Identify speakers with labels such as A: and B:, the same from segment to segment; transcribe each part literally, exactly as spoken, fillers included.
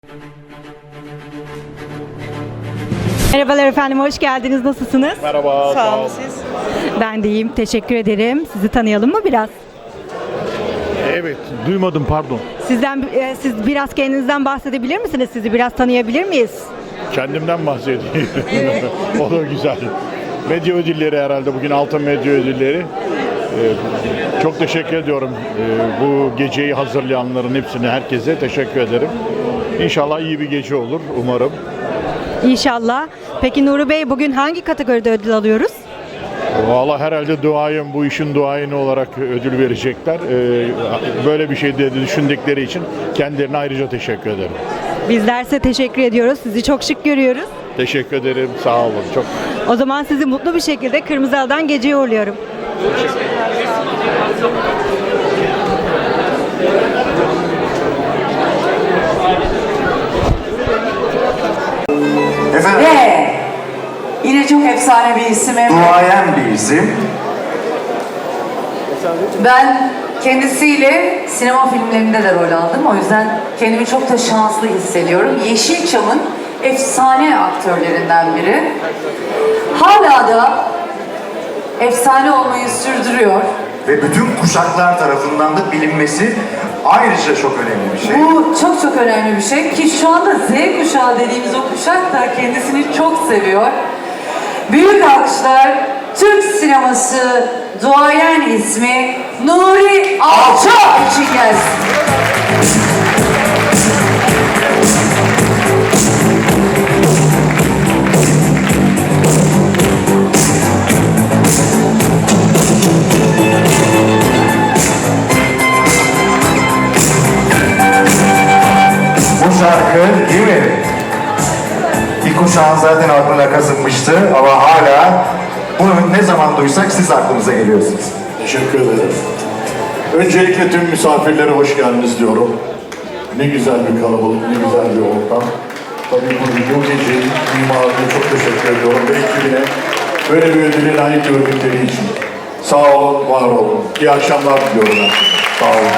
A: Merhabalar efendim, hoş geldiniz. Nasılsınız?
B: Merhaba,
C: Sağ olun siz.
A: Ben de iyiyim, teşekkür ederim. Sizi tanıyalım mı biraz?
B: Evet, duymadım pardon.
A: Sizden, e, siz biraz kendinizden bahsedebilir misiniz? Sizi biraz tanıyabilir miyiz?
B: Kendimden bahsedeyim. O da güzel. Medya ödülleri herhalde bugün Altın Medya Ödülleri. Ee, çok teşekkür ediyorum. Ee, bu geceyi hazırlayanların hepsine, herkese teşekkür ederim. İnşallah iyi bir gece olur, umarım.
A: İnşallah. Peki Nuri Bey, bugün hangi kategoride ödül alıyoruz?
B: Vallahi herhalde duayın, bu işin duayeni olarak ödül verecekler. Ee, böyle bir şey de düşündükleri için kendilerine ayrıca teşekkür ederim.
A: Bizler size teşekkür ediyoruz. Sizi çok şık görüyoruz.
B: Teşekkür ederim, sağ olun. Çok
A: O zaman sizi mutlu bir şekilde Kırmızı Halı'dan geceye uğurluyorum.
D: Efendim,
C: Ve yine çok efsane bir isim.
D: duayen bir isim.
C: Ben kendisiyle sinema filmlerinde de rol aldım. O yüzden kendimi çok da şanslı hissediyorum. Yeşilçam'ın efsane aktörlerinden biri. Hala da efsane olmayı sürdürüyor.
D: Ve bütün kuşaklar tarafından da bilinmesi ayrıca çok önemli bir şey.
C: Bu çok çok önemli bir şey ki şu anda Z kuşağı dediğimiz o kuşak da kendisini çok seviyor. Büyük alkışlar Türk sineması duayen ismi Nuri Alçak için gelsin.
D: Bu şarkı değil mi? Bir kuşağın zaten aklına kazınmıştı ama hala bunu ne zaman duysak siz aklımıza geliyorsunuz.
E: Teşekkür ederim. Öncelikle tüm misafirlere hoş geldiniz diyorum. Ne güzel bir kalabalık, ne güzel bir ortam. Tabii bu, bu gece mimarına çok teşekkür ediyorum ve ekibine böyle bir ödüle layık gördükleri için. Sağ olun, var olun. İyi akşamlar diliyorum ben. Sağ olun.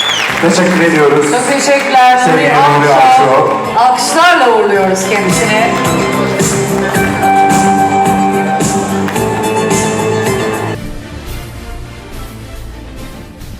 D: Teşekkür ediyoruz.
C: Çok teşekkürler Nuri
D: Sevgili Nuri
C: Alçak.
D: Alçak.
C: Alkışlarla uğurluyoruz kendisini.